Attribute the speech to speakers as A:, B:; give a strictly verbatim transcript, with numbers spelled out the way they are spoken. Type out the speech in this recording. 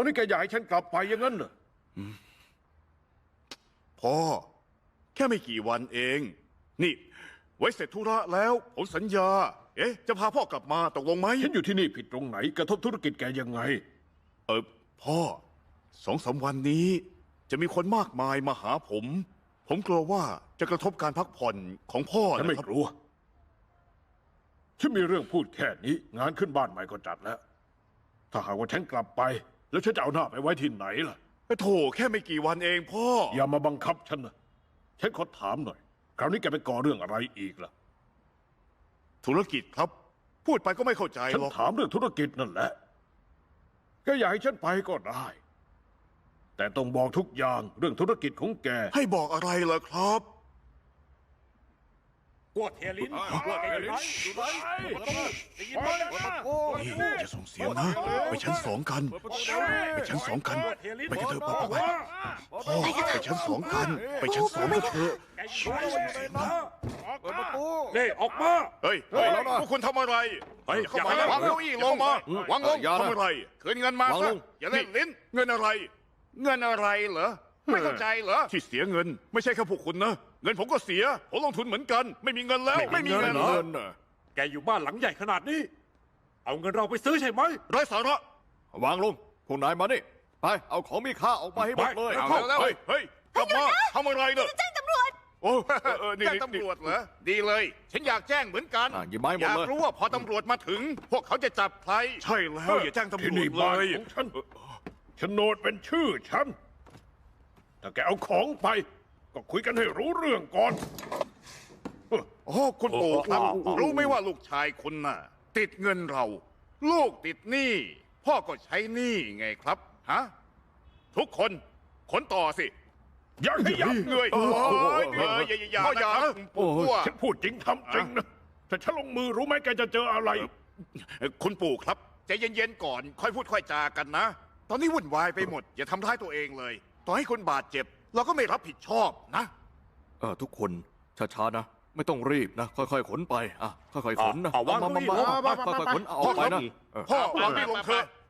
A: าวนี้แกอยากให้ฉันกลับไปอย่างนั้นเหรอ
B: พ่อแค่ไม่กี่วันเอง นี่ ไว้เสร็จธุระแล้วผมสัญญา เอ๊ะ จะพาพ่อกลับมาตกลงไหม
A: ฉันอยู่ที่นี่ผิดตรงไหนกระทบธุรกิจแกยังไง
B: เออพ่อสองสามวันนี้ จะมีคนมากมายมาหาผม ผมกลัวว่าจะกระทบการพักผ่อนของพ่อ
A: ฉันไม่
B: นะครับ
A: กลัวฉันมีเรื่องพูดแค่นี้งานขึ้นบ้านใหม่ก็จัดแล้ว ถ้าหากว่าฉันกลับไป แล้วฉันจะเอาหน้าไปไว้ที่ไหนล่ะ
B: โถแค่ไม่กี่วันเองพ่อ
A: อย่ามาบังคับฉันนะฉันขอถามหน่อย คราวนี้แกไปก่อเรื่องอะไรอีกล่ะ
B: ธุรกิจครับ พูดไปก็ไม่เข้าใจ
A: ฉัน
B: หรอก
A: ถามเรื่องธุรกิจนั่นแหละแกอยากให้ฉันไปก็ได้ แต่ต้องบอกทุกอย่างเรื่องธุรกิจของแก
B: ให้บอกอะไรเหรอครับ
C: กวดเทียลินกวดเทียลินอยู่ไหนได้ยินไหมนะ
B: นี่อย่าส่งเสียงนะ ไปชั้นสองกัน ไปชั้นสองกัน ไปกันเถอะพ่อไปพ่อไปชั้นสองกัน ไปชั้นสองกันเถอะ
C: แกอยู่ไหนนะเปิดประตูนี่ออกมา
B: เฮ้ยเฮ้ยพวกคุณทำอะไร
C: เฮ้ย
B: เข้ามาแล้ววางเก้าอี้ลงมาวางลงทำอะไรคืนเงินมาซะอย่าเล่นลิ้นเงินอะไร เงินอะไรเหรอไม่เข้าใจเหรอที่เสียเงิน ไม่ใช่แค่พวกคุณนะเงินผมก็เสียผมลงทุนเหมือนกัน ไม่มีเงินแล้วไม่มีเงินเหรอ
C: แกอยู่บ้านหลังใหญ่ขนาดนี้ เอาเงินเราไปซื้อใช่ไหม
B: ไร้สาระ
D: วางลงพวกนายมานี่ไปเอาของมีค่าออกมาให้หมดเลย
B: เอาแล้วเฮ้ยเฮ้ยกลับมาทำอะไรเนี่ย
E: แจ้งตำรวจ
B: โอ้เออนี่แจ้งตำรวจเหรอดีเลย ฉันอยากแจ้งเหมือนกัน
D: อ่ะหยิบไม้หม
B: อ
D: ด
B: ยาก
D: เลย
B: รู้ว่าพอตำรวจมาถึง พวกเขาจะจับใครใช่แล้วอย่าแจ้งตำร
A: ที่
B: วจ
A: นี่
B: เล
A: บ้าน
B: ย
A: ของฉันโฉนดเป็นชื่อฉัน ถ้าแกเอาของไป ก็คุยกันให้รู้เรื่องก่อน
B: โอ้คุณปู่ครับรู้ไหมว่าลูกชายคุณน่ะ ติดเงินเรา ลูกติดหนี้พ่อก็ใช้หนี้ไงครับฮะทุกคนขนต่อสิ
A: อย่าให้ยับ
B: เงยโอ้ยเงยอย่าอย่าอย่านะครับคุณปู่
A: ฉันพูดจริงทำจริงนะถ้าฉันลงมือรู้ไหมแกจะเจออะไร
B: คุณปู่ครับใจเย็นๆก่อน ค่อยพูดค่อยจากันนะ ตอนนี้วุ่นวายไปหมด อย่าทำร้ายตัวเองเลย ต่อให้คนบาดเจ็บ เราก็ไม่รับผิดชอบนะ
D: เออทุกคนช้าๆนะ ไม่ต้องรีบนะ ค่อยๆขนไปอ่ะค่อยๆขนนะ
C: เอาวาง
D: มามามา
C: เก้าอี้
D: มาค่อยๆขนเอาออกไปนะเออ
B: พ่อวางนี่ลงเถอะ